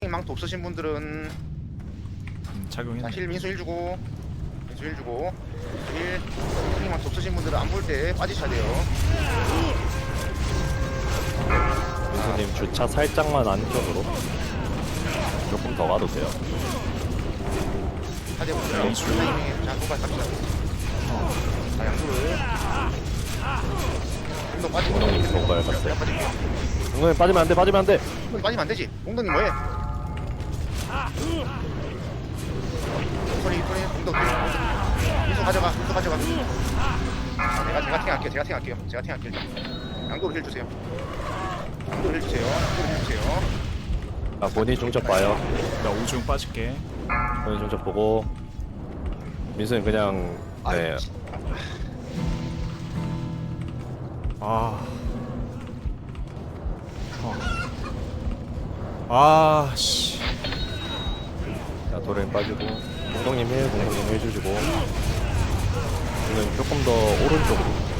망토 없으신 분들은 작용했네. 힐 민수 1 주고 민수 1 주고 1 힐 망토 없으신 분들은 안 볼 때 빠지셔야 돼요. 민수님 주차 살짝만 안쪽으로 조금 더 가도 돼요. 하대 보세요. 민수. 자 누가 갑시다. 자 양수를 좀더 빠지고 공동님 뭔가를 봤어요. 빠질게요. 공동님 빠지면 안돼, 빠지면 안돼. 공동님 빠지면 안 되지. 공동님 뭐해? 소리 공동 민수 가져가 민수 가져가. 제가 팅할게요. 제가 팅할게요. 양도로 힐 주세요. 양도로 힐 주세요. 양도로 힐 주세요. 아, 본인 중첩 봐요. 나 오중 빠질게. 본인 중첩 보고. 민수님 그냥 네. 아. 아, 씨. 자, 도레인 빠지고. 공동님 힐 주시고. 저는 조금 더 오른쪽으로.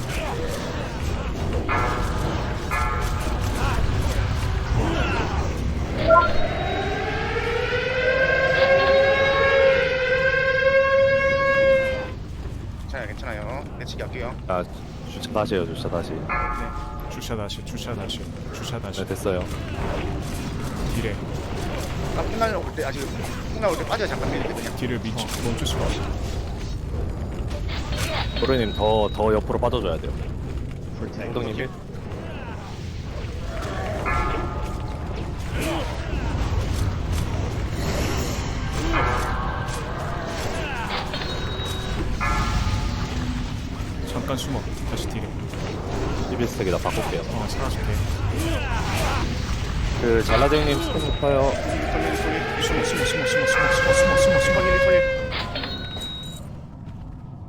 괜찮아요. 내치기 할게요. 아, 주차 다시 해요, 주차 다시. 네. 주차 다시. 네, 됐어요. 딜에 풍날 올 때 아직 풍날 올 때 빠져 잠깐 빼야 되거든요. 딜을 멈출 수가 없어. 도레님 더 옆으로 빠져줘야 돼요. 공동님 힐. 잠깐 숨어. 다시 딜에. 11스택에다 바꿀게요. 사라졌대. 그 잘라쟁님 스택 높아요.